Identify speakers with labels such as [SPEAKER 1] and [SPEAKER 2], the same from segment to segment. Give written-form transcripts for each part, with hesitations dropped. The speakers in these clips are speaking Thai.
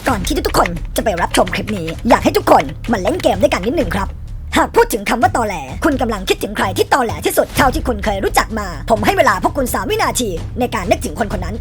[SPEAKER 1] ก่อนที่ทุกคนจะไปรับชมคลิปนี้อยากให้ทุกคนมาเล่นเกมด้วยกันนิดหนึ่งครับหากพูดถึงคำว่าตอแหลคุณกำลังคิดถึงใครที่ตอแหลที่สุดเท่าที่คุณเคยรู้จักมาผมให้เวลาพวกคุณ3 วินาทีในการนึกถึงคนคนนั้น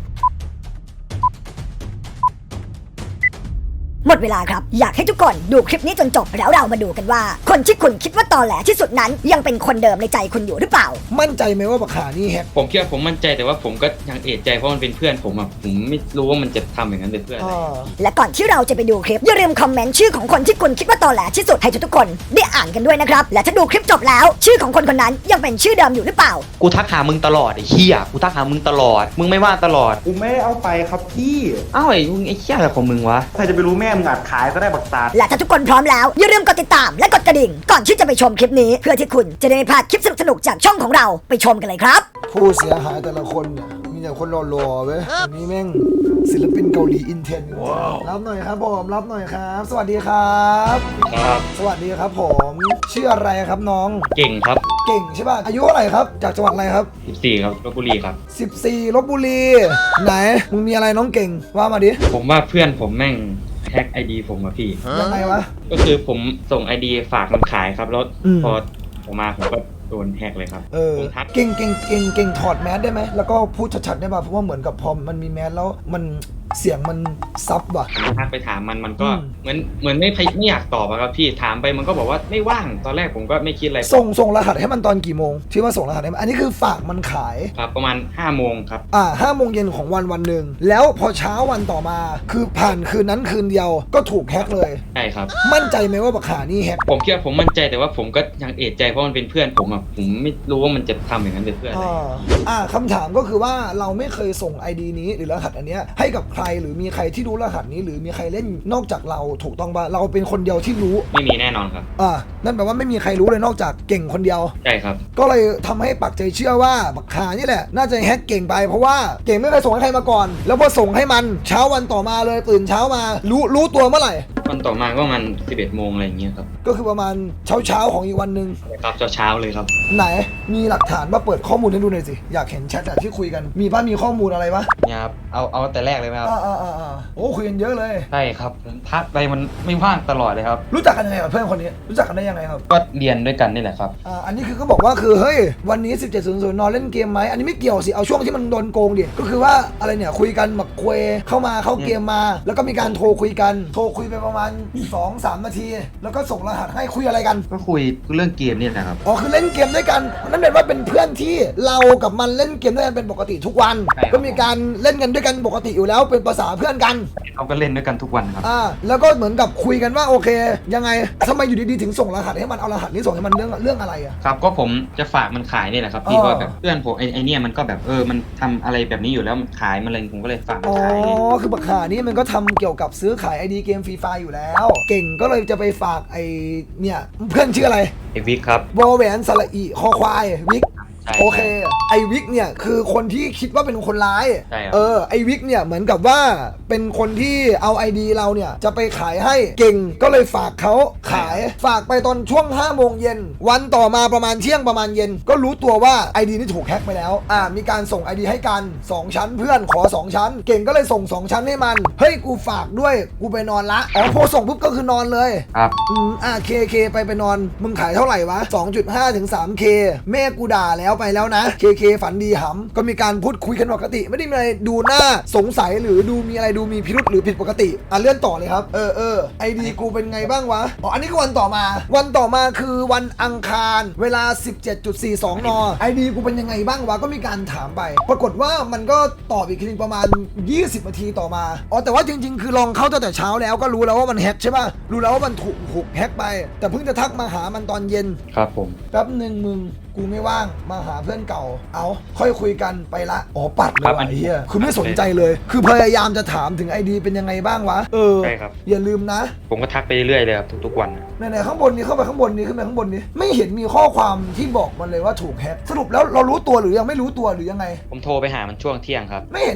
[SPEAKER 1] หมดเวลาครับอยากให้ทุกคนดูคลิปนี้จนจบแล้วเรามาดูกันว่าคนที่คุณคิดว่าตอแหลที่สุดนั้นยังเป็นคนเดิมในใจคุณอยู่หรือเปล่า
[SPEAKER 2] มั่นใจไหมว่าบักขานี่แฮก
[SPEAKER 3] ผมคิดว่าผมมั่นใจแต่ว่าผมก็ยังเอะใจเพราะมันเป็นเพื่อนผมอะผมไม่รู้ว่ามันจะทำอย่างนั้นเป็นเพื่อนอะไร
[SPEAKER 1] และก่อนที่เราจะไปดูคลิปอย่าลืมคอมเมนต์ชื่อของคนที่คุณคิดว่าตอแหลที่สุดให้ทุกคนได้อ่านกันด้วยนะครับและถ้าดูคลิปจบแล้วชื่อของคนคนนั้นยังเป็นชื่อเดิมอยู่หรือเปล่า
[SPEAKER 4] กูทักหามึงตลอดไอ้เหี้ยกูทักหามึงตลอดมึงไม่ว่าตลอด
[SPEAKER 5] กูไม่ได้เอาไปครับพี่
[SPEAKER 4] อ้าวไอ้มึงไอ้เหี้ยอะไรของมึงวะ
[SPEAKER 5] ใครจะไปรู้แม่มึงอาจขายก็ได้บักตาด
[SPEAKER 1] และถ้าทุกคนพร้อมแล้วอย่าลืมกดติดตามและกดกระดิ่งก่อนที่จะไปชมคลิปนี้เพื่อที่คุณจะได้ไม่พลาดคลิปสนุกๆจากช่องของเราไปชมกันเลยครับ
[SPEAKER 2] ผู้เสียหายแต่ละคนเนี่ยมีแต่คนหล่อๆเว้ยอันนี้แม่งศิลปินเกาหลีอินเทนรับหน่อยครับผมรับหน่อยครับสวัสดีครับ
[SPEAKER 3] ครับ
[SPEAKER 2] สวัสดีครับผมชื่ออะไรครับน้อง
[SPEAKER 3] เก่งครับ
[SPEAKER 2] เก่งใช่ป่ะอายุเท่าไหร่ครับจากจังหวัดอะไรครับ
[SPEAKER 3] 14ครับลพบุรีครับ
[SPEAKER 2] 14ลพบุรีไหนมึงมีอะไรน้องเก่งว่ามาดิ
[SPEAKER 3] ผมว่าเพื่อนผมแม่งแฮกไอดีผมอะพี่
[SPEAKER 2] ยังไงวะ
[SPEAKER 3] ก็คือผมส่งไอดีฝากมันขายครับแล้วพอผมมาผมก็โดนแฮกเลยครับผมทัก
[SPEAKER 2] เก่งถอดแมสได้ไหมแล้วก็พูดชัดๆได้ป่ะเพราะว่าเหมือนกับพอมันมีแมสแล้วมันเสียงมันซับว่ะ
[SPEAKER 3] ทักไปถามมันก็เหมือนไม่อยากตอบอะครับพี่ถามไปมันก็บอกว่าไม่ว่างตอนแรกผมก็ไม่คิดอะไร
[SPEAKER 2] ส่งรหัสให้มันตอนกี่โมงที่ว่าส่งรหัสให้มันอันนี้คือฝากมันขาย
[SPEAKER 3] ครับประมาณ5 โมงครับ
[SPEAKER 2] 5 โมงเย็นของวันหนึ่งแล้วพอเช้าวันต่อมาคือผ่านคืนนั้นคืนเดียวก็ถูกแฮกเลย
[SPEAKER 3] ใช่ครับ
[SPEAKER 2] มั่นใจไหมว่าบักขานี่แฮก
[SPEAKER 3] ผมคิดว่าผมมั่นใจแต่ว่าผมก็ยังเอะใจเพราะมันเป็นเพื่อนผมอะผมไม่รู้ว่ามันจะทำอย่างนั้นเป็นเพื่อนอะไร
[SPEAKER 2] คำถามก็คือว่าเราไม่เคยส่ง ID นี้หรือรหัสอันเนี้ยให้กับใครหรือมีใครที่รู้รหัสนี้หรือมีใครเล่นนอกจากเราถูกต้องป่ะเราเป็นคนเดียวที่รู้
[SPEAKER 3] ไม่มีแน่นอนครับ
[SPEAKER 2] นั่นแปลว่าไม่มีใครรู้เลยนอกจากเก่งคนเดียว
[SPEAKER 3] ใช่ครับ
[SPEAKER 2] ก็เลยทำให้ปักใจเชื่อว่าบักขานี่แหละน่าจะแฮกเก่งไปเพราะว่าเก่งไม่เคยส่งให้ใครมาก่อนแล้วพอส่งให้มันเช้าวันต่อมาเลยตื่นเช้ามารู้ตัวเมื่อไหร่
[SPEAKER 3] วันต่อมาก็ประมาณ11 โมงอะไรอย่างเงี้ยครับ
[SPEAKER 2] ก็คือประมาณเช้าของอีกวันนึง
[SPEAKER 3] ครับเช้าเลยครับ
[SPEAKER 2] ไหนมีหลักฐานมาเปิดข้อมูลให้ดูหน่อยสิอยากเห็นแชทที่คุยกันมีป่ะมีข้อมูลอะไรป่ะ
[SPEAKER 4] เนี่ยครับเอาแต่แรกเลยไหมครับ
[SPEAKER 2] โอ้คุยกันเยอะเลย
[SPEAKER 4] ใช่ครับทักไปมันไม่ว่างตลอดเลยครับ
[SPEAKER 2] รู้จักกันยังไงกับเพื่อนคนนี้รู้จักกันได้ยังไงครับ
[SPEAKER 4] ก็เรียนด้วยกันนี่แหละครับ
[SPEAKER 2] อันนี้คือเขาบอกว่าคือเฮ้ยวันนี้ 17:00 นอนเล่นเกมไหมอันนี้ไม่เกี่ยวสิเอาช่วงที่มันโดนโกงดิก็คือว่าอะไรเนี่ยคุยกันหมักคุยเข้าเกมมาแล้วก็มีการโทรคุยไปประมาณ 2-3 นาทีแล้วก็ส่งรหัสให้คุยอะไรกัน
[SPEAKER 4] ก็คุยเรื่องเกมนี่แหละครับ
[SPEAKER 2] คือเล่นเกมด้วยกันนั่นเป็นว่าเป็นเพื่อนที่เรากับมันเล่นเกมด้วยกันเป็นปกติทุกวันก็มีการเล่นกันด้วยกันปกติอยู่แล้วเป็นภาษาเพื่อนกัน
[SPEAKER 4] เราก็เล่นด้วยกันทุกวันครับ
[SPEAKER 2] แล้วก็เหมือนกับคุยกันว่าโอเคยังไงทำไมอยู่ดีๆถึงส่งรหัสให้มันเอารหัสนี้ส่งให้มันเรื่องอะไรอะ
[SPEAKER 3] ครับก็ผมจะฝากมันขายนี่แหละครับพี่ก็แบบเพื่อนผมไอเนี่ยมันก็แบบมันทำอะไรแบบนี้อยู่แล้วมันขายมันเลยผมก็เลยฝากมันขาย
[SPEAKER 2] คือบักขานี่มันก็ทำเกี่ยวกับซื้อขายไอดีเกมฟรีไฟอยู่แล้วเก่งก็เลยจะไปฝากไอเนี่ยเพื่อนชื่ออะไร
[SPEAKER 3] ไอวิกครับ
[SPEAKER 2] วอแหวนสระอีคอควายวิกโอเคไอวิกเนี่ยคือคนที่คิดว่าเป็นคนร้ายไอวิกเนี่ยเหมือนกับว่าเป็นคนที่เอาไอดีเราเนี่ยจะไปขายให้เก่งก็เลยฝากเขาขายฝากไปตอนช่วง5 โมงเย็นวันต่อมาประมาณเที่ยงประมาณเย็นก็รู้ตัวว่าไอดีนี่ถูกแฮ็กไปแล้วมีการส่งไอดีให้กัน2 ชั้นเพื่อนขอ2 ชั้นเก่งก็เลยส่ง2 ชั้นให้มันเฮ้ยกูฝากด้วยกูไปนอนละพอส่งปุ๊บก็คือนอนเลย
[SPEAKER 3] ครับ
[SPEAKER 2] เคไปนอนมึงขายเท่าไหร่วะ 2.5 ถึง 3K แม่กูด่าแล้วไปแล้วนะเคฝันดีหำก็มีการพูดคุยกันปกติไม่ได้มีอะไรดูหน้าสงสัยหรือดูมีอะไรดูมีพิรุธหรือผิดปกติเลื่อนต่อเลยครับไอดีกูเป็นไงบ้างวะอันนี้คือวันต่อมาคือวันอังคารเวลา 17.42 นไอดีกูเป็นยังไงบ้างวะก็มีการถามไปปรากฏว่ามันก็ตอบอีกทีประมาณ20 นาทีต่อมาแต่ว่าจริงๆคือลองเข้าตั้งแต่เช้าแล้วก็รู้แล้วว่ามันแฮกใช่ป่ะรู้แล้วว่ามันถูกแฮกไปแต่เพิ่งจะทักมาหามันตอนเย็น
[SPEAKER 3] ครับผม
[SPEAKER 2] แป๊บนึงมึงกูไม่ว่างมาหาเพื่อนเก่าค่อยคุยกันไปละปัดเลยไอ้เหี้ยคือไม่สนใจเลยคือพยายามจะถามถึงไอดีเป็นยังไงบ้างวะ
[SPEAKER 3] ใช่ครับ
[SPEAKER 2] อย่าลืมนะ
[SPEAKER 3] ผมก็ทักไปเรื่อยเลยครับทุกวัน
[SPEAKER 2] ไหนข้างบนนี้เข้าไปข้างบนนี้ขึ้นไปข้างบนนี้ไม่เห็นมีข้อความที่บอกมันเลยว่าถูกแฮกสรุปแล้วเรารู้ตัวหรือยังไม่รู้ตัวหรือยังไง
[SPEAKER 3] ผมโทรไปหามันช่วงเที่ยงครับ
[SPEAKER 2] ไม่เห็นมี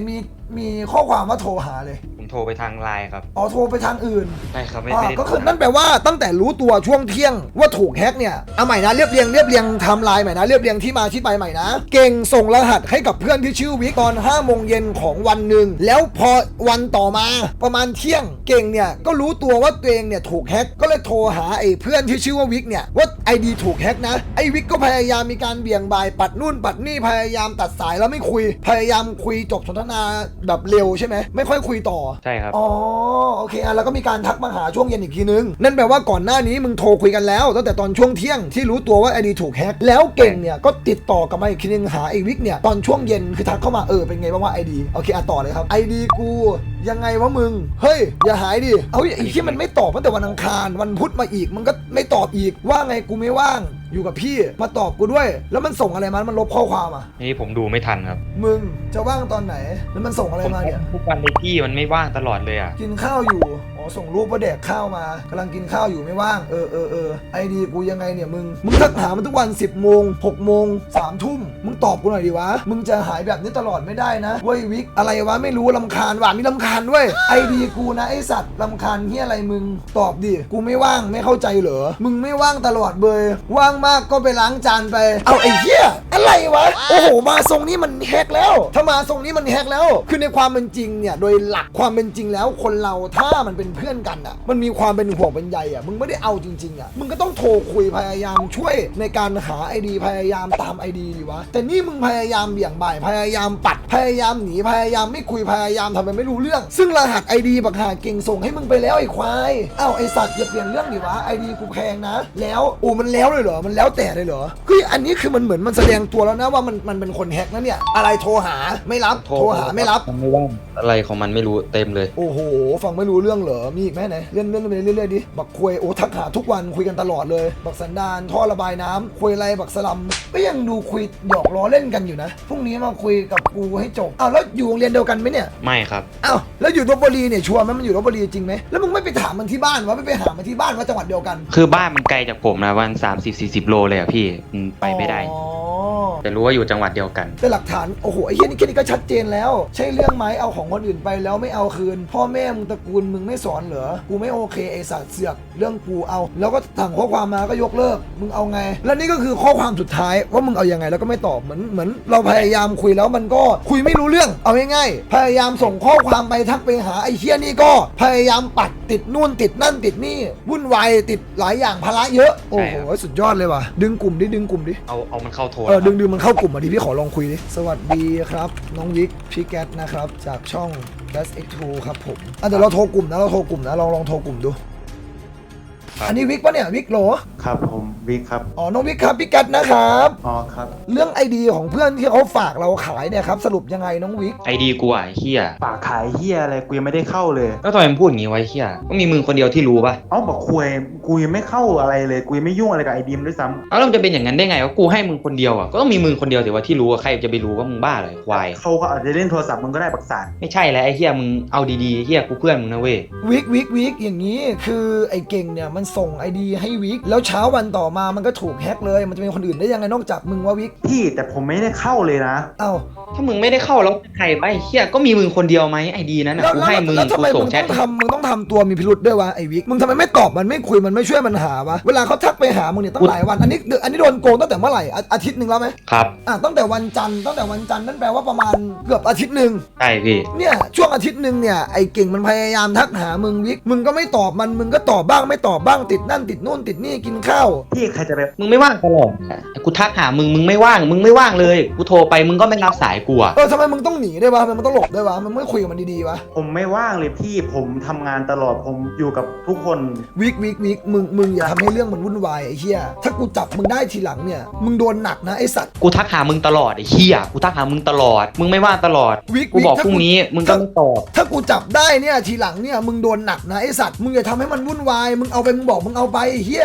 [SPEAKER 2] มีข้อความว่าโทรหาเลย
[SPEAKER 3] ผมโทรไปทางไลน์ครับ
[SPEAKER 2] อ๋อโทรไปทางอื่น
[SPEAKER 3] ใช่ครับไม่
[SPEAKER 2] อ่า
[SPEAKER 3] ได้
[SPEAKER 2] ก็คือ
[SPEAKER 3] โทร
[SPEAKER 2] นั่นแปลว่าตั้งแต่รู้ตัวช่วงเที่ยงว่าถูกแฮกเนี่ยเอาใหม่นะเรียบเรียงไทม์ไลน์ใหม่นะเรียบเรียงที่มาที่ไปใหม่นะเก่งส่งรหัสให้กับเพื่อนที่ชื่อวิกตอน5 โมงเย็นของวันหนึ่งแล้วพอวันต่อมาประมาณเที่ยงเก่งเนี่ยก็รู้ตัวว่าตัวเองเนี่ยถูกแฮกก็เลยโทรหาไอ้เพื่อนที่ชื่อว่าวิกเนี่ยว่า ID ถูกแฮกนะไอ้วิกก็พยายามมีการเบี่ยงบ่ายปัดนู่นปัดนี่พยายามตัดสายแล้วไม่คุยพยายามคุยจบสนทนาแบบเร็วใช่ไหมไม่ค่อยคุยต่อ
[SPEAKER 3] ใช่ครับ
[SPEAKER 2] อ๋อโอเคแล้วก็มีการทักมาหาช่วงเย็นอีกทีนึงนั่นแปลว่าก่อนหน้านี้มึงโทรคุยกันแล้วตั้งแต่ตอนช่วงเที่ยงที่รู้ตัวว่าไอดีถูกแฮกแล้วเก่งเนี่ยก็ติดต่อกลับมาอีกทีนึงหาไอวิกเนี่ยตอนช่วงเย็นคือทักเข้ามาเป็นไงบ้างว่าไอดีโอเคต่อเลยครับไอดีกูยังไงวะมึงเฮ้ยอย่าหายดิเอาไอ้ที่มันไม่ตอบตั้งแต่วันอังคารวันพุธมาอีกมันก็ไม่ตอบอีกว่าไงกูไม่ว่างอยู่กับพี่มาตอบกูด้วยแล้วมันส่งอะไรมามันลบข้อความอ่ะ
[SPEAKER 3] นี่ผมดูไม่ทันครับ
[SPEAKER 2] มึงจะว่างตอนไหนแล้วมันส่งอะไร
[SPEAKER 3] ผม
[SPEAKER 2] มาเนี่ย
[SPEAKER 3] ทุกวันเลยพี่มันไม่ว่างตลอดเลยอ่ะ
[SPEAKER 2] กินข้าวอยู่ อ๋อ ส่งรูปว่าแดกข้าวมากำลังกินข้าวอยู่ไม่ว่าง ไอดีกูยังไงเนี่ยมึงทักหามันทุกวัน 10 โมง 6 โมง 3 ทุ่ม มึงตอบกูหน่อยดิวะ มึงจะหายแบบนี้ตลอดไม่ได้นะเว้ยวิก อะไรวะไม่รู้ลำคาญว่ะมีลำคาญด้วย ไอดีกูนะไอสัตว์ลำคาญเฮียอะไรมึง ตอบดิ กูไม่ว่างไม่เข้าใจเหรอ มึงไม่ว่างตลอดเบยว่างมากก็ไปล้างจานไป เอาไอเฮียอะไรวะ โอ้โห มาทรงนี้มันแฮกแล้ว ถ้ามาทรงนี้มันแฮกแล้ว คือในความเป็นจริงเนี่ย โดยหลักความเป็นจริงแล้วคนเราถ้ามันเป็นเพื่อนกันอ่ะ มันมีความเป็นห่วงเป็นใยอ่ะ มึงไม่ได้เอาจริงๆอ่ะ มึงก็ต้องโทรคุยพยายามช่วยในการหาไอดีพยายามตามไอดีดีวะ แต่นี่มึงพยายามเบี่ยงบ่ายพยายามปัดพยายามหนีพยายามไม่คุยพยายามทำเป็นไม่รู้เรื่อง ซึ่งรหัสไอดีบักหาเก่งส่งให้มึงไปแล้วไอ้ควายอ้าวไอสัตว์อย่าเปลี่ยนเรื่องดิวะไอดีกูแพงนะแล้วมันแล้วเลยเหรอมันแล้วแต่เลยเหรอคืออันนี้คือมันเหมือนมันแสดงตัวแล้วนะว่ามันเป็นคนแฮกนะเนี่ยอะไรโทรหาไม่รับโทรหาไม่รับ
[SPEAKER 3] มันไม่ว่างอะไรของมันไม่รู้เต็มเลย
[SPEAKER 2] โอ้โหฟังไม่รู้เรื่องเหรอมีอีกไหมไหนเลื่อนไปเรื่อยๆดิบักคุยทักหาทุกวันคุยกันตลอดเลยบักสันดานท่อระบายน้ำคุยอะไรบักสลัมก็ยังดูคุยหยอกล้อเล่นกันอยู่นะพรุ่งนี้มาคุยกับกูให้จบอ้าวแล้วอยู่โรงเรียนเดียวกันไหมเนี่ย
[SPEAKER 3] ไม่ครับ
[SPEAKER 2] อ้าวแล้วอยู่ลพบุรีเนี่ยชัวร์ไหมมันอยู่ลพบุรีจริงไหมแล้วมึงไม่ไปถามมันที่บ้านวะไม่ไปหามันที่บ้านว่าจังหวัดเดียวกัน
[SPEAKER 3] คือบ้านมันไกลจากผมนะวัน30-40 โลเลยอ่ะพี่ไปไม่ได้
[SPEAKER 2] อ๋อ
[SPEAKER 3] แต่รู้ว่าอยู่จังหวัดเดียวกัน
[SPEAKER 2] แต่หลักฐานโอ้โหไอ้เหี้ยนี่แค่นี้ก็ชัดเจนแล้วใช่เรื่องไหมเอาของคนอื่นไปแล้วไม่เอาคืนพ่อแม่มึงตระกูลมึงไม่สอนเหรอกูไม่โอเคไอ้สัตว์เสือกเรื่องกูเอาแล้วก็สั่งข้อความมาก็ยกเลิกมึงเอาไงแล้วนี่ก็คือข้อความสุดท้ายว่ามึงเอายังไงแล้วก็ไม่ตอบเหมือนเราพยายามคุยแล้วมันก็คุยไม่รู้เรื่องเอาง่ายๆพยายามส่งข้อความไปทักไปหาไอ้เหี้ยนี่ก็พยายามปัดติดนู่นติดนั่นติดนี่วุ่นวายติดหลายอย่างภาระเยอะโอ้
[SPEAKER 3] ใช่
[SPEAKER 2] โห
[SPEAKER 3] ครับ
[SPEAKER 2] สุดยอดเลยว่ะดึงกลุ่มดิ
[SPEAKER 3] เอามันเข้าโทร
[SPEAKER 2] ดึงมันเข้ากลุ่มมาดิพี่ขอลองคุยดิสวัสดีครับน้องวิกพี่แก๊สนะครับจากช่อง Dash X2 ครับผมเดี๋ยวเราโทรกลุ่มนะลองโทรกลุ่มดูอันนี้วิกปะเนี่ยวิกโหล
[SPEAKER 5] ครับผมวิกครับ
[SPEAKER 2] อ๋อน้องวิกครับพี่แก๊สนะครับ
[SPEAKER 5] อ๋อครับ
[SPEAKER 2] เรื่องไอดีของเพื่อนที่เขาฝากเราขายเนี่ยครับสรุปยังไงน้องวิก
[SPEAKER 3] ไอดีกูอ่ะไอ้เฮีย
[SPEAKER 5] ปากขายเฮียอะไรกูยังไม่ได้เข้าเลย
[SPEAKER 3] แล้วทำไมมึงพูดอย่างงี้ไวะไอ้เฮียก็มีมึงคนเดียวที่รู้ป่ะ
[SPEAKER 5] เอ้าบอกคุยกูยังไม่เข้าอะไรเลยกูยังไม่ยุ่งอะไรกับไอดีมด้วยซ้ำ
[SPEAKER 3] แล้วมันจะเป็นอย่างนั้นได้ไงว่ากูให้มึงคนเดียวอ่ะก็ต้องมีมึงคนเดียวสิว่าที่รู้ว่าใครจะไปรู้ว่ามึงบ้าอะไรควาย
[SPEAKER 5] เขาก็อาจจะเล่นโทรศัพท์มึงก็ได้ปักษา
[SPEAKER 3] ไม่ใช่แล้วไอ้เฮียมึงเอาดีๆเฮียกูเพื่อนมึงนะเว้ย
[SPEAKER 2] วิกอย่างนี้คือไอเก่งเนี่ยมันส่งไอดีให้วิกแล้วเช้าวันต่อมามันก็ถูกแฮกเลยมันจะเป็นคนอื่นได้ยังไงนอกจากมึงว่าวิก
[SPEAKER 5] พี่แต่ผมไม่ได้เข้าเลยนะ
[SPEAKER 2] เอ้า
[SPEAKER 3] ถ้ามึงไม่ได้เข้าแล้วใครไปเฮียก็มีมึงคนเดียวไหมไอดีนั้นน่ะกูให้มึง
[SPEAKER 2] แล้วทำ
[SPEAKER 3] กู
[SPEAKER 2] ไม
[SPEAKER 3] ส่
[SPEAKER 2] มึ
[SPEAKER 3] ง
[SPEAKER 2] ง
[SPEAKER 3] แช
[SPEAKER 2] ต้
[SPEAKER 3] ท
[SPEAKER 2] มึงต้องทำตัวมีพิรุษด้วยวะไอวิกมึงทำไมไม่ตอบมันไม่คุยมันไม่ช่วยมันหาวะเวลาเขาทักไปหามึงเนี่ยตั้งหลายวันอันนี้โดนโกงตั้งแต่เมื่อไหร่อาทิตย์หนึ่งแล้วไหม
[SPEAKER 3] ครับ
[SPEAKER 2] ตั้งแต่วันจันทร์นั่นแปลว่าประมาณเกือบอาทิตย์หนึ่ง
[SPEAKER 3] ใช่พี่
[SPEAKER 2] เนี่ยช่วงอาทิตย์หนึ่งเนี่ยไอเก่งมันพยายามทักหามึงวิกมึงก็ไม่ตอบมันมึงก็ตอบบ้างไม่ตอบบ้างติดนั่นติดนู่นติดนี่กินข้าว
[SPEAKER 5] พี่ใครจะไป
[SPEAKER 3] มึงไม่ว่างตลอดกูทักหามึงไม่ว่างเลยกูโทรไปมึงก็ไม่รับสายกูอ่ะ
[SPEAKER 2] ทำไมมึงต้องหนีด้วยวะทำไมมึงต้องหลบด้วยวะมันไม่คุยกับมันดีๆวะ
[SPEAKER 5] ผมไม่ว่างเลยพี่ผมทำงานตลอดผมอยู่กับทุกคน
[SPEAKER 2] วิกมึงอย่าทำให้เรื่องมันวุ่นวายไอ้เหี้ยถ้ากูจับมึงได้ทีหลังเนี่ยมึงโดนหนักนะไอ้สัตว์
[SPEAKER 3] กูทักหามึงตลอดไอ้เฮียกูทักหามึงตลอดมึงไม่ว่างตลอด
[SPEAKER 2] วิก
[SPEAKER 3] กูบอก
[SPEAKER 2] ถ้า
[SPEAKER 3] พรุ่งนี้มึงก็ไม่ตอบ
[SPEAKER 2] ถ้ากูจับได้เนี่ยทีหลังเนี่ยมึงโดนหนักนะไอ้สัตว์มึงอย่าทำให้มันวุ่นวายมึงเอาไปมึงบอกมึงเอาไปไอ้เหี้ย
[SPEAKER 5] กูไม่ได้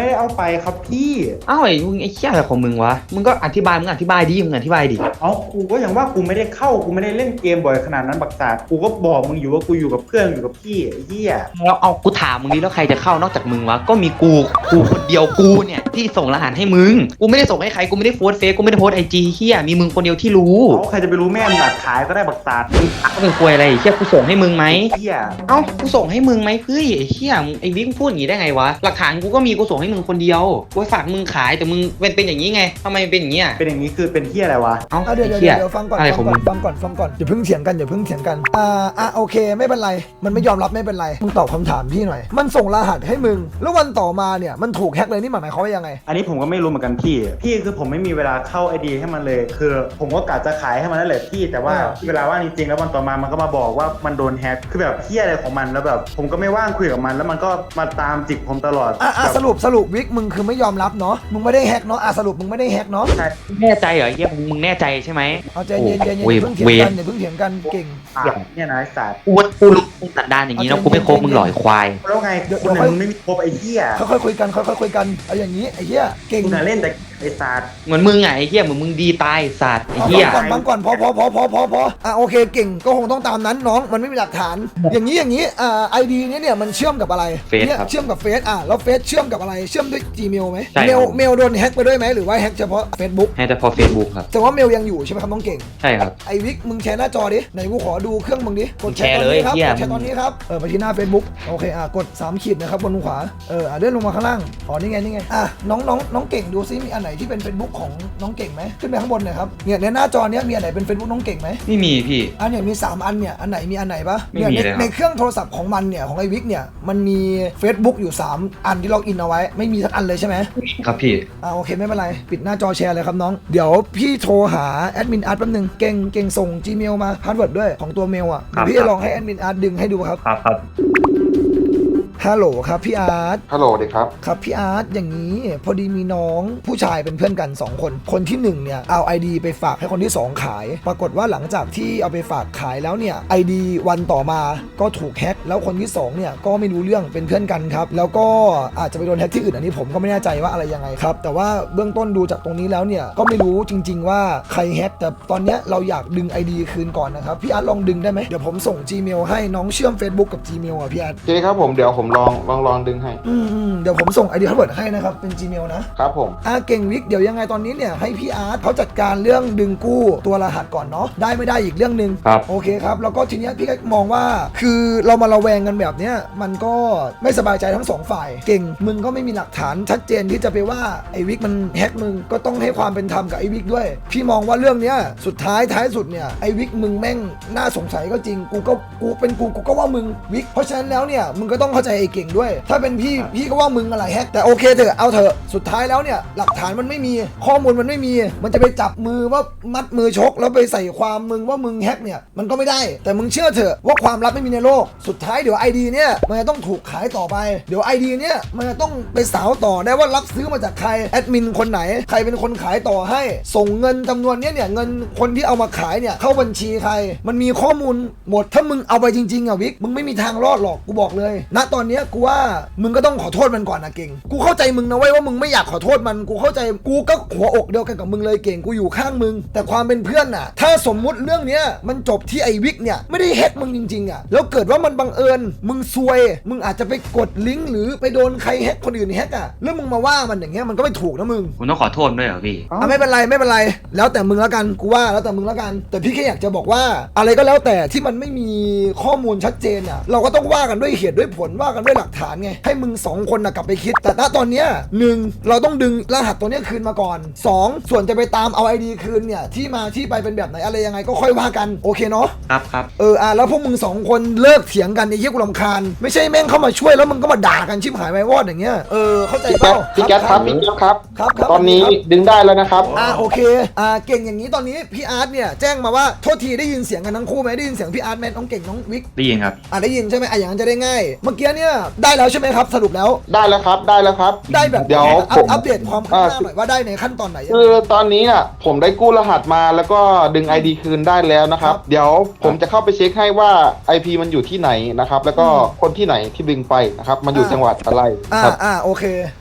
[SPEAKER 5] ได้เอาไปครับพี่
[SPEAKER 4] อ้าวไอ้มึงไอ้เหี้ยอะไรของมึงวะมึงก็อธิบายดิมึงอธิบายดิ
[SPEAKER 5] เอากูก็อย่างว่ากูไม่ได้เข้ากูไม่ได้เล่นเกมบ่อยขนาดนั้นบักษากูก็บอกมึงอยู่ว่ากูอยู่กับเพื่อนอยู่กับพี่ไอ้เหี้ย
[SPEAKER 4] แล้วเอากูถามมึงนี้แล้วใครจะเข้านอกจากมึงวะก็มีกูคนเดียวกูเนี่ยที่ส่งรหัสให้มึงกูไม่ได้ส่งให้ใครกูไม่ได้โพสเฟซกูไม่ได้โพสไอจีเหี้ยมีมึงคนเดียวที่รู้
[SPEAKER 5] เขาใครจะไปรู้แม่มึงอัดขายก็ได้บักษา
[SPEAKER 4] ก็เป็นควยอะไรเหี้ยกูส่งให้มึงไหม
[SPEAKER 5] เหี้ย
[SPEAKER 4] เอ้ากูส่งให้มึงไหมเฮ้ยไอ้เหี้ยไอ้วิกพูดอย่างงี้ได้ไงวะหลักฐานกูก็มีกูส่งให้มึงคนเดียวกูฝากมึงขายแต่มึงเป็นอย่างนี้ไงทำไมเป็นอย่างนี้อ่ะ
[SPEAKER 5] เป็นอย่างนี้คือเป็นเหี้ยอะไรวะ
[SPEAKER 4] เอ้า
[SPEAKER 2] เดี๋ยว
[SPEAKER 4] ไอ้เหี้ย
[SPEAKER 2] ฟังก่อน
[SPEAKER 4] อะไรของมึง
[SPEAKER 2] ฟังก่อนอย่าเพิ่งเถียงกันโอเคไม่เป็นไรมันไม่ยอมรับไม่เป็นไรมึงตอบคำถามพี่หน่อยมันส่งรหัสให้มึงแล้ววันต่อมาเนี่ยมันถูกแฮ็กเลยนี่หมายความว่ายังไง
[SPEAKER 5] อันนี้ผมก็ไม่รู้เหมือนกันพี่คือผมไม่มีเวลาเข้าไอดีให้มันเลย คือผมก็กะจะขายให้มันนั่นแหละพี่แต่ว่าเวลาว่างจริงๆแล้ววันต่อมามันก็มาบอกว่ามันโดนแฮ็กคือแบบเหี้ยอะไรของมันแล้วแบบผมก็ไม่ว่างคุยกับมันแล้วมันก็มาตามจิกผมตลอด
[SPEAKER 2] สรุปวิกมึงคือไม่ยอมรับเนาะมึงไม่ได้แฮ็กเนาะสรุปมึงไม่ได้แฮ็กเนาะ
[SPEAKER 5] ใช่
[SPEAKER 4] แน่ใจเหรอไอ้เหี้ยมึงแน่ใจใช่ไหม
[SPEAKER 2] เอาใจเย็นอย่า
[SPEAKER 4] โอ้
[SPEAKER 2] เพิ่งเถียงกันอย่าเพิ่งเถียงกันเก่ง
[SPEAKER 5] เนี่ยนะไอ้สัตว์
[SPEAKER 4] กูรู้มึงสันดานอย่างนี้เนาะกูไม่โคบมึงหล่อยควาย
[SPEAKER 5] แล้วไงคุณน่ะมึงไม่มีครบไอ้เหี้ย
[SPEAKER 2] ค่อยๆคุยกันเอาอย่างนี้ไอ้เหี้ยเก่ง
[SPEAKER 5] คุณน่ะเล่นแต่ไอ้สัตว์
[SPEAKER 4] เหมือนมึงไงไอ้เหี้ยเหมือนมึงดีตายสัตว์ไอ้เหี้ย
[SPEAKER 2] ฟังก่อนพอโอเคเก่งก็คงต้องตามนั้นน้องมันไม่มีหลักฐานอย่างนี้ไอดีเนี่ยมันเชื่อมกับอะไร
[SPEAKER 4] เฟซ
[SPEAKER 2] เนี่ย
[SPEAKER 4] ครับ
[SPEAKER 2] เชื่อมกับเฟซแล้วเฟซเชื่อมกับอะไรเชื่อมด้วย Gmail ไหม
[SPEAKER 4] ใช่
[SPEAKER 2] เม
[SPEAKER 4] ค
[SPEAKER 2] ล
[SPEAKER 4] รับ
[SPEAKER 2] เมลโดนแฮ็กไปด้วยไหมหรือว่าแฮ็กเฉพาะ Facebook
[SPEAKER 4] ให้แต่พอเฟซบุ๊กครับ
[SPEAKER 2] แต่ว่าเมลยังอยู่ใช่ไหมครับน้องเก่ง
[SPEAKER 4] ใช่ครับ
[SPEAKER 2] ไอวิกมึงแชร์หน้าจอดิไหนกูขอดูเครื่องมึงดิกดแชร์ตอน
[SPEAKER 4] แชร์เลย
[SPEAKER 2] นี้ครับ
[SPEAKER 4] เหี้ย
[SPEAKER 2] กดแชร์ตอนนี้ครับไปที่หน้า Facebook โอเคกด3ขีดนะครับบนมุมขวาเลื่อนลงมาข้างล่างนี่ไงน้องเก่งดูซิมีอันไหนที่เป็น Facebook ของน้องเก่งไหมขึ้นไปข้างบนหน่อยครับเนี่ยในหน้าจอเนี้ยมีอันไหนเป็น Facebook น้องเก่งไหม
[SPEAKER 4] ไม่มีพี่
[SPEAKER 2] เนี่ยมี3อันเนี่ยอันไหนมีอันไหนปะ
[SPEAKER 4] ไม่
[SPEAKER 2] เนี่ย
[SPEAKER 4] มีเลยครับ
[SPEAKER 2] ในเครื่องโทรศัพท์ของมันเนี่ยของไอวิกเนี่ยมันมี Facebook อยู่3อันที่ล็อกอินเอาไว้ไม่มีสักอันเลยใช่ไหม
[SPEAKER 4] ครับพี่
[SPEAKER 2] โอเคไม่เป็นไรปิดหน้าจอแชร์เลยครับน้องเดี๋ยวพี่โทรหาแอดมินอาร์ตแป๊บนึงเก่งส่ง Gmail มาพาสเวิร์ดด้วยของตัวเมลเดี๋ยวพี่จะลองให้แอดมินอาร์ตดึงให้ดูครับ
[SPEAKER 4] ครับ
[SPEAKER 2] ฮัลโหลครับพี่อาร์ต
[SPEAKER 6] ฮัลโหลเด็กครับ
[SPEAKER 2] ครับพี่อาร์ตอย่างนี้พอดีมีน้องผู้ชายเป็นเพื่อนกัน2คนคนที่1เนี่ยเอา ID ไปฝากให้คนที่2ขายปรากฏว่าหลังจากที่เอาไปฝากขายแล้วเนี่ย ID วันต่อมาก็ถูกแฮ็กแล้วคนที่2เนี่ยก็ไม่รู้เรื่องเป็นเพื่อนกันครับแล้วก็อาจจะไปโดนแฮ็กที่อื่นอันนี้ผมก็ไม่แน่ใจว่าอะไรยังไงครับแต่ว่าเบื้องต้นดูจากตรงนี้แล้วเนี่ยก็ไม่รู้จริงๆว่าใครแฮ็กแต่ตอนเนี้ยเราอยากดึง ID คืนก่อนนะครับพี่อาร์ตลองดึงได้ไหมเดี๋ยวผมส่ง Gmail ให้น้องเชื่อม Facebook กับ Gmail พี่อาร์ต
[SPEAKER 6] โอเคครับผมเดี๋ยวผมลองดึงให้
[SPEAKER 2] เดี๋ยวผมส่ง ID พาสเวิร์ดให้นะครับเป็น Gmail นะครับ
[SPEAKER 6] ผม
[SPEAKER 2] เก่งวิกเดี๋ยวยังไงตอนนี้เนี่ยให้พี่อาร์ตเขาจัดการเรื่องดึงกู้ตัวรหัสก่อนเนาะได้ไม่ได้อีกเรื่องหนึ่ง
[SPEAKER 4] ครับ
[SPEAKER 2] โอเคครับแล้วก็ทีเนี้ยพี่ก็มองว่าคือเรามาระแวงกันแบบเนี้ยมันก็ไม่สบายใจทั้งสองฝ่ายเก่งมึงก็ไม่มีหลักฐานชัดเจนที่จะไปว่าไอ้วิกมันแฮกมึงก็ต้องให้ความเป็นธรรมกับไอ้วิกด้วยพี่มองว่าเรื่องเนี้ยสุดท้ายสุดเนี่ยไอ้วิกมึงแม่งน่าสงสัยก็จริงกูก็ว่ามึงวิกเพราะฉะนั้นแล้วเนี่ยมึงก็ต้องเข้าใจไอ้เก่งด้วยถ้าเป็นพี่ก็ว่ามึงอะไรแฮกแต่โอเคเถอะเอาเถอะสุดท้ายแล้วเนี่ยหลักฐานมันไม่มีข้อมูลมันไม่มีมันจะไปจับมือว่ามัดมือชกแล้วไปใส่ความมึงว่ามึงแฮกเนี่ยมันก็ไม่ได้แต่มึงเชื่อเถอะว่าความลับไม่มีในโลกสุดท้ายเดี๋ยว ID เนี่ยมันจะต้องถูกขายต่อไปเดี๋ยว ID เนี่ยมันจะต้องไปสาวต่อได้ว่ารับซื้อมาจากใครแอดมินคนไหนใครเป็นคนขายต่อให้ส่งเงินจำนวนเนี่ยเงินคนที่เอามาขายเนี่ยเข้าบัญชีใครมันมีข้อมูลหมดถ้ามึงเอาไปจริงๆวิกมึงไม่มีทางรอดหรอกกูบอกเลยณตอนเนี้ยกูว่ามึงก็ต้องขอโทษมันก่อนนะเก่งกูเข้าใจมึงนะเว้ยว่ามึงไม่อยากขอโทษมันกูเข้าใจกูก็หัวอกเดียวกันกับมึงเลยเก่งกูอยู่ข้างมึงแต่ความเป็นเพื่อนน่ะถ้าสมมุติเรื่องเนี้ยมันจบที่ไอ้วิกเนี่ยไม่ได้แฮกมึงจริงๆแล้วเกิดว่ามันบังเอิญมึงซวยมึงอาจจะไปกดลิงก์หรือไปโดนใครแฮกคนอื่นแฮกแล้วมึงมาว่ามันอย่างเงี้ยมันก็ไม่ถูกนะมึง
[SPEAKER 4] ผมต้องขอโทษด้วยเหรอพี่
[SPEAKER 2] ไม่เป็นไรแล้วแต่มึงแล้วกันกูว่าแล้วแต่มึงแล้วกันแต่พี่แค่อยากจะบอกว่าอะไรก็แล้วแต่ที่มันไม่มีข้อมูลชัดเจนเราก็ต้องว่ากันด้วยเหตุด้วยผลว่ากันด้วยหลักฐานไงให้มึง2คนกลับไปคิดแต่ณตอนเนี้ย1เราต้องดึงรหัสตัวเนี้ยคืนมาก่อน2ส่วนจะไปตามเอา ID คืนเนี่ยที่มาที่ไปเป็นแบบไหนอะไรยังไงก็ค่อยว่ากันโอเคเนาะ
[SPEAKER 4] ครับ
[SPEAKER 2] แล้วพวกมึง2คนเลิกเถียงกันไอ้เหี้ยกูรำคาญไม่ใช่แม่งเข้ามาช่วยแล้วมึงก็มาด่ากันชิบหายไปวอดอย่างเงี้ยเข้าใจเปล่า
[SPEAKER 6] พี่แก๊สครับพี่แก๊สครับ
[SPEAKER 2] ครับ
[SPEAKER 6] ตอนนี้ดึงได้แล้วนะครับ
[SPEAKER 2] โอเคเก่งอย่างนี้ตอนนี้พี่อาร์ตเนี่ยแจ้งมาว่าโทษทีได้ยินเสียงกันทั้งคู่ไหมได้ยินเสียงพี่อาร์ตแมนน้องเก่งน้องวิก
[SPEAKER 4] ได้ยินครับ
[SPEAKER 2] ได้ยินใช่ไหมอย่างนั้นจะได้ง่ายเมื่อกี้เนี่ยได้แล้วใช่ไหมครับสรุปแล้ว
[SPEAKER 6] ได้แล้วครับ
[SPEAKER 2] ได้แบบ
[SPEAKER 6] เดี๋ยวผม
[SPEAKER 2] อัปเดตความคืบหน้าหน่อยว่าได้ในขั้นตอนไหนยังไง
[SPEAKER 6] คือตอนนี้น่ะผมได้กู้รหัสมาแล้วก็ดึง ID คืนได้แล้วนะครับ เดี๋ยวผมจะเข้าไปเช็คให้ว่า IP มันอยู่ที่ไหนนะครับแล้วก็คนที่ไหนที่ดึงไปนะครับมันอยู่จังหวัดอะไรครับ
[SPEAKER 2] โอเค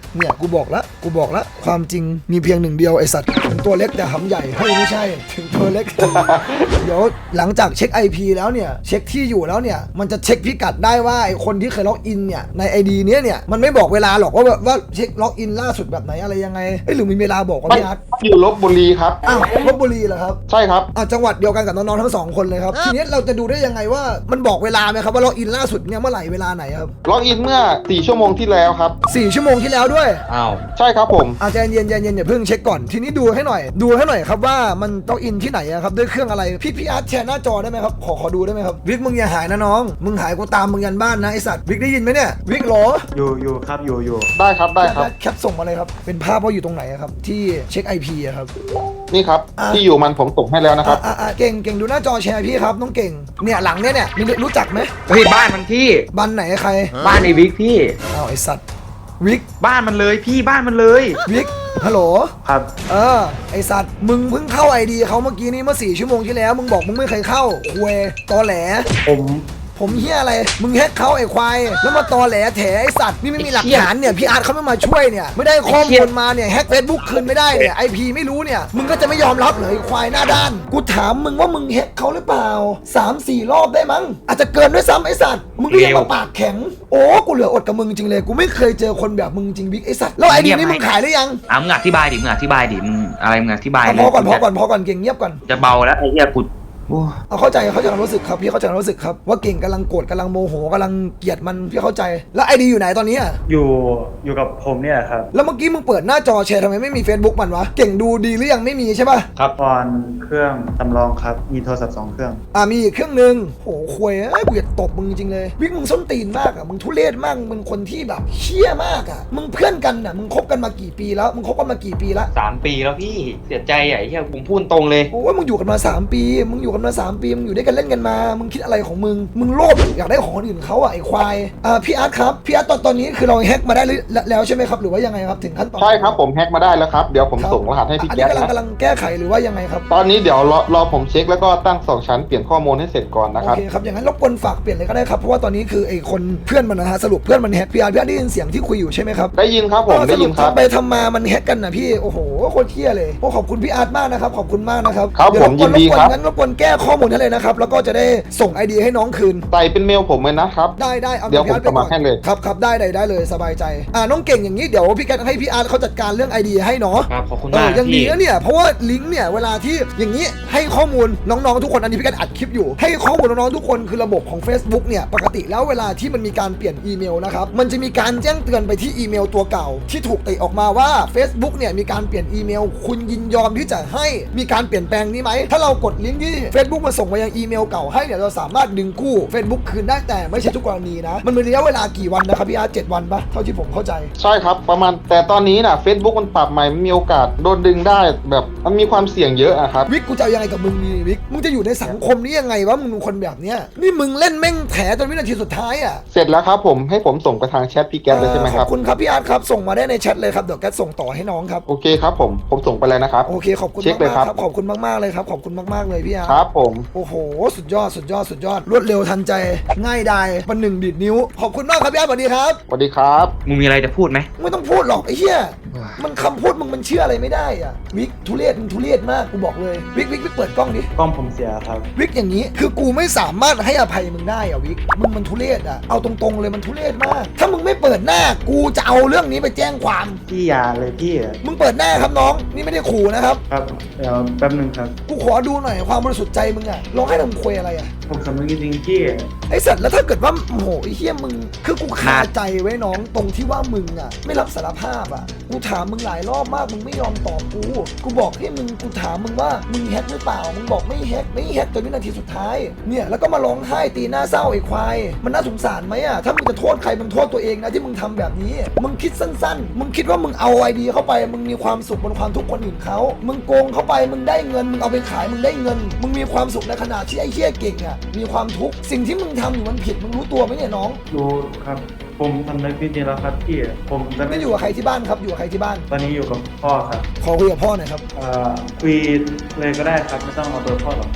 [SPEAKER 2] เนี่ยกูบอกละความจริงมีเพียงหนึ่งเดียวไอสัตว์ถึงตัวเล็กแต่หำใหญ่เฮ้ยไม่ใช่ถึงตัวเล็ก เดี๋ยวหลังจากเช็ค IP แล้วเนี่ยเช็คที่อยู่แล้วเนี่ยมันจะเช็คพิกัดได้ว่าไอคนที่เคยล็อกอินเนี่ยใน ID เนี้ยเนี่ยมันไม่บอกเวลาหรอกว่าเช็คล็อกอินล่าสุดแบบไหนอะไรยังไงหรือมีเวลาบอกว่าพี่อาร์ต
[SPEAKER 6] อยู่ลบบุรีครับ
[SPEAKER 2] อ้าวลพบุรีเหรอครับ
[SPEAKER 6] ใช่ครับ
[SPEAKER 2] จังหวัดเดียวกันกับน้องๆทั้ง2คนเลยครับทีนี้เราจะดูได้ยังไงว่ามันบอกเวลาไหมครับว่าล็อกอินล่าสุดเนี่ยเมื่อไหร่เวลาไหนครับ
[SPEAKER 6] ล็อกอินเมื่อ 4 ชั่วโมงที่แล้วครับ
[SPEAKER 2] 4 ชั่วโมงที่แล้วด้วย
[SPEAKER 3] อ้าว
[SPEAKER 6] ใช่ครับผม
[SPEAKER 2] ใจเย็นอย่าเพิ่งเช็คก่อนทีนี้ดูให้หน่อยครับว่ามันล็อกอินที่ไหนอะครับด้วยเครื่องอะไรพี่อาร์ตแชร์หน้าจอได้ไหมครับขอดูได้ไหมครับวิกมึงอย่าหายนะน้องมึงหายกูตามมึงยันบ้านนะไอสัตว์วิกได้ยินไหมเนี่ยวิกเหรอ
[SPEAKER 5] อยู่ครับอยู่
[SPEAKER 6] ได้ครับได้ครับ
[SPEAKER 2] แคปส่งมาเลยครับเป็นภาพว่าอยู่ตรงไหนอะครับที่เช็ค IP อะครับ
[SPEAKER 6] นี่ครับ
[SPEAKER 2] อ่ะ
[SPEAKER 6] ที่อยู่มันผมส่งให้แล้วนะครับ
[SPEAKER 2] เก่งดูหน้าจอแชร์พี่ครับน้องเก่งเนี่ยหลังเนี่ยมีรู้จักไหม
[SPEAKER 4] เฮ้ยบ้านมันพี่
[SPEAKER 2] บ้านไหนใคร
[SPEAKER 4] บ้านไอ้วิกพี่
[SPEAKER 2] อ้าวไอสัตว์วิก
[SPEAKER 4] บ้านมันเลยพี่บ้านมันเลย
[SPEAKER 2] วิกฮัลโหล
[SPEAKER 5] ครับ
[SPEAKER 2] ไอสัตว์มึงเพิ่งเข้า ID เขาเมื่อกี้นี้เมื่อ4 ชั่วโมงที่แล้วมึงบอกมึงไม่เคยเข้าควยตอแหลผมเฮียอะไรมึงแฮกเขาไอควายแล้วมาตอแหลแถไอสัตว์นี่ไม่มีหลักฐานเนี่ยพี่อาร์ตเขาไม่มาช่วยเนี่ยไม่ได้ข้อมูลมาเนี่ยแฮกเฟซบุ๊กคืนไม่ได้เนี่ย IP ไม่รู้เนี่ยมึงก็จะไม่ยอมรับเลยไอควายหน้าด้านกูถามมึงว่ามึงแฮกเขาหรือเปล่า 3-4 รอบได้มั้งอาจจะเกินด้วยซ้ำไอสัตว์มึงก็ยังมาปากแข็งโอ้กูเหลืออดกับมึงจริงเลยกูไม่เคยเจอคนแบบมึงจริงบิ๊กไอสัตว์แล้ว ID นี่มึงขายหรือยัง
[SPEAKER 4] มึงอธิบายดิมึงอธิบายดิมึงอะไรมึงอธิบายเลย
[SPEAKER 2] พอก่อนเก่งเงียบก่อน
[SPEAKER 4] จะเบาแล้วไอ้เหี้ยกูโอ้
[SPEAKER 2] เข้าใจความรู้สึกครับพี่เข้าใจความรู้สึกครับว่าเก่งกำลังโกรธกำลังโมโหกำลังเกลียดมันพี่เข้าใจแล้ว ID อยู่ไหนตอนนี้อะ
[SPEAKER 5] อยู่กับผมเนี่ยครับ
[SPEAKER 2] แล้วเมื่อกี้มึงเปิดหน้าจอแชร์ทำไมไม่มี Facebook มันวะเก่งดูดีหรือยังไม่มีใช่ป่ะ
[SPEAKER 5] ครับตอนเครื่องสำรองครับมีโทรศัพท์2 เครื่อง
[SPEAKER 2] มีอีกเครื่องนึงโหควยกูอยากตบมึงจริงเลยวิกมึงส้นตีนมากอ่ะมึงทุเรศมากมึงคนที่แบบเชี่ยมากอ่ะมึงเพื่อนกันอ่ะมึงคบกันมากี่ปีแล้วมึงคบกันมากี่ปีละ
[SPEAKER 3] 3 ปีแล้วพี่เสียใจอ่ะไอ้เหี้ยผมพูดตรงเลย
[SPEAKER 2] โอ้ยมึงอยู่กันมา3 ปีมึงอยู่กันมา3 ปีมึงอยู่ด้วยกันเล่นกันมามึงคิดอะไรของมึงโลภอยากได้ของคนอื่นเขาอ่ะไอ้ควายพี่อาร์ตครับพี่อาร์ตตอนนี้คือเราแฮกมาได้แล้วใช่ไหมครับหรือว่ายังไงครับถึงขั้นตอน
[SPEAKER 6] ใช่ครับผมแฮ็กมาได้แล้วครับ เดี๋ยวผมส่งรหัสให้พี่
[SPEAKER 2] อัน
[SPEAKER 6] แก๊
[SPEAKER 2] นี้
[SPEAKER 6] สนะ
[SPEAKER 2] กำลังแก้ไขหรือว่ายังไงครับ
[SPEAKER 6] ตอนนี้เดี๋ยวรอผมเช็คแล้วก็ตั้ง2 ชั้นเปลี่ยนข้อมูลให้เสร็จก่อนนะ
[SPEAKER 2] โอ
[SPEAKER 6] ครับ
[SPEAKER 2] เคครับอย่างนั้นรบกวนฝากเปลี่ยนเลยก็ได้ครับเพราะว่าตอนนี้คือไอ้คนเพื่อนมันนะฮะสรุปเพื่อนมันแฮกพี่อาร์ได้ยินเสียงที่คุยอยู่ใช่ไหมครับ
[SPEAKER 6] ได้ยินครับผมได้ยินครับ
[SPEAKER 2] สปทำไปทำมามันแฮกกันนะพี่โอ้โหโคตรเที่ยเลยโอ้ขอบคุณพี่อาร์ตมากนะครับขอบคุณมากนะครับ
[SPEAKER 6] ครับ
[SPEAKER 2] เดี๋ยว
[SPEAKER 6] ผมยินดีครับ
[SPEAKER 2] งั้นรบกวนแก้ข้อมูลให้เลยนะครับแล้วก็จะได้ส่ง ID ให้น้องคืน
[SPEAKER 6] ใส่เป็นเมลผมเลยนะครับ
[SPEAKER 2] ได้เอา
[SPEAKER 6] เดี๋ยวผม
[SPEAKER 2] พี่อาร์ตไป
[SPEAKER 6] สมัครให้เลย
[SPEAKER 2] ครับได้เลยสบายใจน้องเก่งอย่างนี้เดี๋ยวพี่แกให้พี่อาร์ตเขาจัดการเรื่อง ID ให้เนาะ
[SPEAKER 3] ครับขอบคุณมาก
[SPEAKER 2] ยังดี
[SPEAKER 3] พี่
[SPEAKER 2] นะเนี่ยเพราะว่าลิงก์เนี่ยเวลาที่อย่างนี้ให้ข้อมูลน้องๆทุกคนอันนี้พี่กันอัดคลิปอยู่ให้ข้อมูลน้องๆทุกคนคือระบบของ Facebook เนี่ยปกติแล้วเวลาที่มันมีการเปลี่ยนอีเมลนะครับมันจะมีการแจ้งเตือนไปที่อีเมลตัวเก่าที่ถูกติออกมาว่า Facebook เนี่ยมีการเปลี่ยนอีเมลคุณยินยอมที่จะให้มีการเปลี่ยนแปลงนี้ไหมถ้าเรากดลิงก์ที่ Facebook มาส่งมายังอีเมลเก่าให้เนี่ยเราสามารถดึงกู้ Facebook คืนได้แต่ไม่ใช่ทุกกรณีนะมันมีระยะเวลากี่วันนะครับพี่อาร์ต7 วันปะเท่าที่ผมเข้าใจ
[SPEAKER 6] ใช่ครับประมาณแต่ตอนนี้น่ะ Facebook มันปรับใหม่มันมีโอกาสโดนดึงได้แบบมันมีความเสี่ยงเยอะอะครับ
[SPEAKER 2] วิกกูจะเอายังไงกับมึงนี่วิกมึงจะอยู่ในสังคมนี้ยังไงวะมึงเป็นคนแบบเนี้ยนี่มึงเล่นแม่งแถจนวินาทีสุดท้ายอ่ะ
[SPEAKER 6] เสร็จแล้วครับผมให้ผมส่งไปทางแชทพี่แก๊สเลยใช่ไหมค
[SPEAKER 2] ข
[SPEAKER 6] รั
[SPEAKER 2] อบ บคุณครับพี่อาร์ตครับส่งมาได้ในแชทเลยครับเดี๋ยวแกส่งต่อให้น้องครับ
[SPEAKER 6] โอเคครับผมส่งไปแล้วนะครับ
[SPEAKER 2] โอเคขอบคุณ
[SPEAKER 6] เช็ค
[SPEAKER 2] มาก
[SPEAKER 6] เลย
[SPEAKER 2] ๆ
[SPEAKER 6] ค
[SPEAKER 2] ครับ รับขอบคุณมากๆเลยครับขอบคุณมากๆเลยพี่อาร์ต
[SPEAKER 6] ครับผม
[SPEAKER 2] โอ้โหสุดยอดรวดเร็วทันใจง่ายดายประหนึ่งดีดนิ้วขอบคุณมากครับพี่อาร์ตสวัสดีครับ
[SPEAKER 6] สวัสดีครับ
[SPEAKER 4] มึงมีอะไรจะพูดไหม
[SPEAKER 2] ไม่ต้องพูดหรอกไอ้เหี้ยมันคำพูดมึงมันเชื่ออะไรไม่ได้อ่ะวิกทุเรศมึงทุเรศมากกูบอกเลยวิกเปิดกล้องดิ
[SPEAKER 5] กล้องผมเสียครับ
[SPEAKER 2] วิกอย่างนี้คือกูไม่สามารถให้อภัยมึงได้อะวิกมึงมันทุเรศอะเอาตรงๆเลยมันทุเรศมาก ถ้ามึงไม่เปิดหน้ากูจะเอาเรื่องนี้ไปแจ้งความ
[SPEAKER 5] พี่อย่าเลยพี่
[SPEAKER 2] มึงเปิดหน้าครับน้องนี่ไม่ได้ขู่นะครับ
[SPEAKER 5] ครับเดี๋ยวแป๊บนึงครับ
[SPEAKER 2] กูขอดูหน่อยความบริสุทธิ์ใจมึงอะร้องให้ทำควยอะไรอะ
[SPEAKER 5] ผมสำนึกจริงๆพี่
[SPEAKER 2] ไอสัตว์แล้วถ้าเกิดว่าโอ้โหไอเฮี้ยมึงคือกูคาใจไว้น้องตรงที่ว่ามึงอะไม่รับสารภาพอะกูถามมึงหลายรอบมากมึงไม่ยอมตอบกูบอกให้มึงกูถามมึงว่ามึงแฮกหรือเปล่ามึงบอกไม่แฮกจนวินาทีสุดท้ายเนี่ยแล้วก็มาร้องไห้ตีหน้าเศร้าไอ้ควายมันน่าสงสารไหมอะถ้ามึงจะโทษใครมึงโทษตัวเองนะที่มึงทำแบบนี้มึงคิดสั้นๆมึงคิดว่ามึงเอาไอเดียเข้าไปมึงมีความสุขบนความทุกข์คนอื่นเขามึงโกงเข้าไปมึงได้เงินมึงเอาไปขายมึงได้เงินมึงมีความสุขในขณะที่ไอ้เหี้ยเก่งอะมีความทุกข์สิ่งที่มึงทำอยู่มันผิดมึงรู้ตัวไหมเนี่ยน้อง
[SPEAKER 5] รู้ครับ ผมสำนึกจริงๆแล้วครับพี่ผมจะ
[SPEAKER 2] ไม่อยู่กับใครที่บ้านครับอยู่กับใครที่บ้าน
[SPEAKER 5] ตอนนี้อยู่กับพ่อครับ
[SPEAKER 2] ขอคุยกับพ่อหน่อยครับ
[SPEAKER 5] คุยเลยก็ได้ครับไม่ต้องเอาตัวพ่อหรอกครับ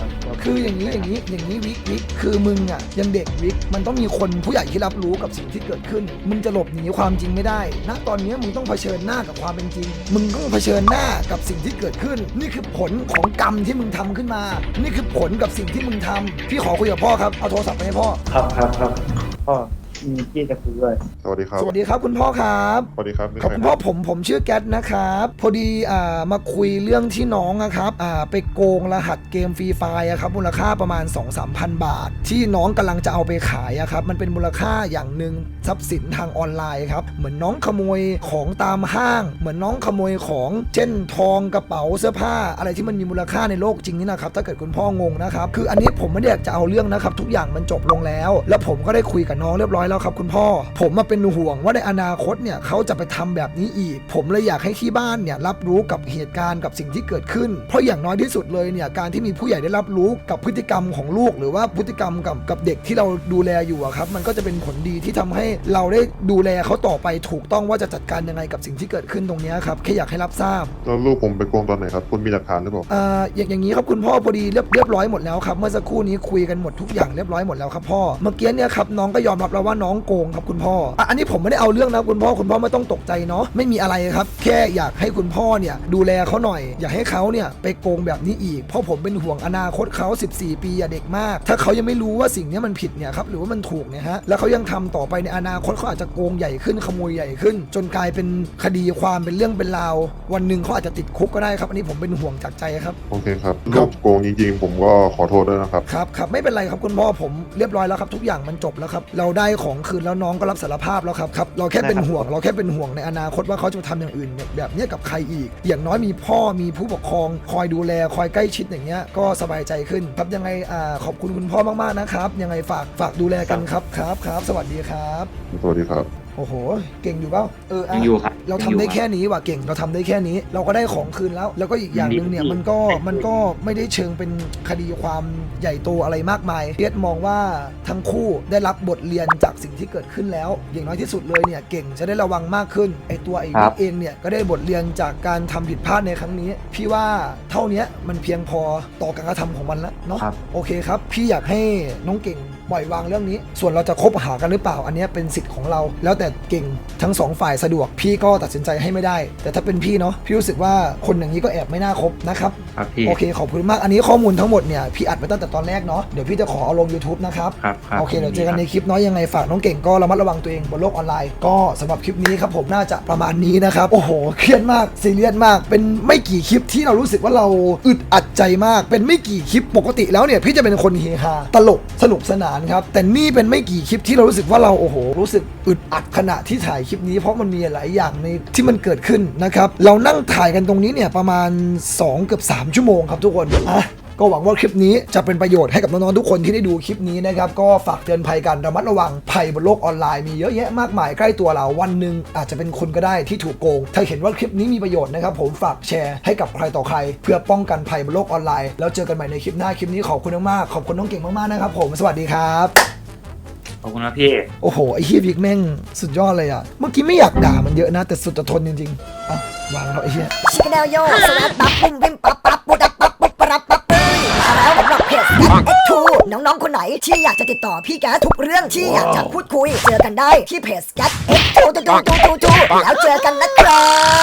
[SPEAKER 2] คืออย่างนี้วิกคือมึงอ่ะยังเด็กวิกมันต้องมีคนผู้ใหญ่ที่รับรู้กับสิ่งที่เกิดขึ้นมึงจะหลบหนีความจริงไม่ได้ณตอนนี้มึงต้องเผชิญหน้ากับความเป็นจริงมึงต้องเผชิญหน้ากับสิ่งที่เกิดขึ้นนี่คือผลของกรรมที่มึงทำขึ้นมานี่คือผลกับสิ่งที่มึงทำพี่ขอคุยกับพ่อครับเอาโทรศัพท์ไปให้พ่อ
[SPEAKER 5] ครับพ่อมีพี่จะคุยด้วย
[SPEAKER 6] สวัสดีครับ
[SPEAKER 2] สวัสดีครับคุณพ่อครับ
[SPEAKER 6] สวัสดีครับ
[SPEAKER 2] ขอบคุณพ่อผมชื่อแก๊สนะครับพอดีมาคุยเรื่องที่น้องนะครับไปโกงรหัสเกมฟรีไฟร์ครับมูลค่าประมาณ 2-3,000 บาท ที่น้องกำลังจะเอาไปขายครับมันเป็นมูลค่าอย่างหนึ่งทรัพย์สินทางออนไลน์ครับเหมือนน้องขโมยของตามห้างเหมือนน้องขโมยของเช่นทองกระเป๋าเสื้อผ้าอะไรที่มันมีมูลค่าในโลกจริงนี่นะครับถ้าเกิดคุณพ่องงนะครับคืออันนี้ผมไม่ได้อยากจะเอาเรื่องนะครับทุกอย่างมันจบลงแล้วผมก็ได้คุยกับน้องเรียบร้อยแล้วครับคุณพ่อผมมาเป็นห่วงว่าในอนาคตเนี่ยเขาจะไปทำแบบนี้อีกผมเลยอยากให้ที่บ้านเนี่ยรับรู้กับเหตุการณ์กับสิ่งที่เกิดขึ้นเพราะอย่างน้อยที่สุดเลยเนี่ยการที่มีผู้ใหญ่ได้รับรู้กับพฤติกรรมของลูกหรือว่าพฤติกรรมกับเด็กที่เราดูแลอยู่ครับมันก็จะเป็นผลดีที่ทำให้เราได้ดูแลเขาต่อไปถูกต้องว่าจะจัดการยังไงกับสิ่งที่เกิดขึ้นตรงนี้ครับแค่อยากให้รับทราบ
[SPEAKER 6] แล้วลูกผมไปโกงตอนไหนครับคุณมีหลักฐานหรือเปล่า
[SPEAKER 2] อย่างนี้ครับคุณพ่อพอดีเรียบร้อยหมดแล้วครับเมื่อสักครู่นี้คุยกันหมดทุกอย่างเรียบร้อยหมดแล้วครับพ่อเมื่อกี้เนี่ยครับน้องก็ยอมรับแล้วว่าน้องโกงครับคุณพ่ออันนี้ผมไม่ได้เอาเรื่องนะคุณพ่อไม่ต้องตกใจเนาะไม่มีอะไรครับแค่อยากให้คุณพ่อเนี่ยดูแลเขาหน่อยอยากให้เขาเนี่ยไปโกงแบบนี้อีกเพราะผมเป็นห่วงอนาคตเขา14 ปีเด็กมากถ้าเขายังไม่รู้ว่าสิ่งนี้มันผิดเนี่ยครับหรือว่ามันถูกเนี่ยฮะแล้วเขายังทำต่อไปในอนาคตเขาอาจจะโกงใหญ่ขึ้นขโมยใหญ่ขึ้นจนกลายเป็นคดีความเป็นเรื่องเป็นราววันหนึ่งเขาอาจจะติดคุกก็ได้ครับอันนี้ผมเป็นห่วงจากใจครับ
[SPEAKER 6] โอเคครับลูกโกงจริงๆผมก็ขอโทษด้วยนะครับ
[SPEAKER 2] ครับไม่เป็นไรครับคุณพ่อผมเรียบร้อยแล้วครับทุกอย่างมันจบแล้วครับเราได้ของคืนแล้วน้องก็รับสารภาพแล้วครับเราแค่เป็นห่วงในอนาคตว่าเขาจะทำอย่างอื่นแบบนี้กับใครอีกอย่างน้อยมีพ่อมีผู้ปกครองคอยดูแลคอยใกล้ชิดอย่างเงี้ยก็สบายใจขึ้นครับยังไงขอบคุณคุณพ่อมากๆนะครับยังไงฝากดูแลกันครับสวัสดีครับ
[SPEAKER 6] สวัสดีครับ
[SPEAKER 2] โอ้โหเก่งอยู่เปล่า
[SPEAKER 3] ยังอยู่ครับ
[SPEAKER 2] เราทำได้แค่นี้ว่ะเก่งเราทำได้แค่นี้เราก็ได้ของคืนแล้วก็อีกอย่างหนึ่งเนี่ยมันก็ไม่ได้เชิงเป็นคดีความใหญ่โตอะไรมากมายเรียกมองว่าทั้งคู่ได้รับบทเรียนจากสิ่งที่เกิดขึ้นแล้วอย่างน้อยที่สุดเลยเนี่ยเก่งจะได้ระวังมากขึ้นไอ้วิกเองเนี่ยก็ได้บทเรียนจากการทำผิดพลาดในครั้งนี้พี่ว่าเท่านี้มันเพียงพอต่อการกระทำของมันแล้วเนาะโอเคครับพี่อยากให้น้องเก่งปล่อยวางเรื่องนี้ส่วนเราจะคบหากันหรือเปล่าอันนี้เป็นสิทธิ์ของเราแล้วแต่เก่งทั้ง2ฝ่ายสะดวกพี่ก็ตัดสินใจให้ไม่ได้แต่ถ้าเป็นพี่เนาะพี่รู้สึกว่าคนอย่างนี้ก็แอบไม่น่าคบนะครับโอเคขอบคุณมากอันนี้ข้อมูลทั้งหมดเนี่ยพี่อัดไว้ตั้งแต่ตอนแรกเนาะเดี๋ยวพี่จะขอเอาลง YouTube นะครับโอเคเดี๋ยวเจอกันในคลิปเนาะยังไงฝากน้องเก่งก็ระมัดระวังตัวเองบนโลกออนไลน์ก็สำหรับคลิปนี้ครับผมน่าจะประมาณนี้นะครับโอ้โหเครียดมากซีเรียสมากเป็นไม่กี่คลิปที่เรารู้สึกว่าเราอึดอัดใจมากเป็นไม่กี่คลิปปกติแล้วเนี่ยพี่จะเป็นคนเฮฮาตลกสนุกสนานครับแต่นี่เป็นไม่กี่คลิปที่เรารู้สึกว่าเราโอ้โหรู้สึกอึดอัดขณะที่ถ่ายคลิปนี้เพราะมันมีหลายอย่างในที่มันเกิดขึ้นนะครับเรานั่งถ่ายกันตรงนี้เนี่ยประมาณ2 เกือบ 3 ชั่วโมงครับทุกคนก็หวังว่าคลิปนี้จะเป็นประโยชน์ให้กับน้องๆทุกคนที่ได้ดูคลิปนี้นะครับก็ฝากเตือนภัยกันระมัดระวังภัยบนโลกออนไลน์มีเยอะแยะมากมายใกล้ตัวเราวันหนึ่งอาจจะเป็นคนก็ได้ที่ถูกโกงถ้าเห็นว่าคลิปนี้มีประโยชน์นะครับผมฝากแชร์ให้กับใครต่อใครเพื่อป้องกันภัยบนโลกออนไลน์แล้วเจอกันใหม่ในคลิปหน้าคลิปนี้ขอบคุณมากๆขอบคุณน้องเก่งมากๆนะครับผมสวัสดีครับ
[SPEAKER 3] ขอบคุณครับพี่
[SPEAKER 2] โอ้โหไอ้เฮียบิ๊กแม่งสุดยอดเลยอ่ะเมื่อกี้ไม่อยากด่ามันเยอะนะแต่สุดจะทนจริงๆวางแล้วไอ้เฮีย
[SPEAKER 1] ชิคแนลโยสวัสดีปั๊บปุ้มวิมปั๊บปั๊บปุ๊ดปั๊บปุ๊บปั๊บปั๊บมาแล้วสำหรับเพจ X2 น้องๆคนไหนที่อยากจะติดต่อพี่แก๊สทุกเรื่องที่อยากจะพูดคุยเจอกันได้ที่เพจ X2 แล้วเจอกันนะครับ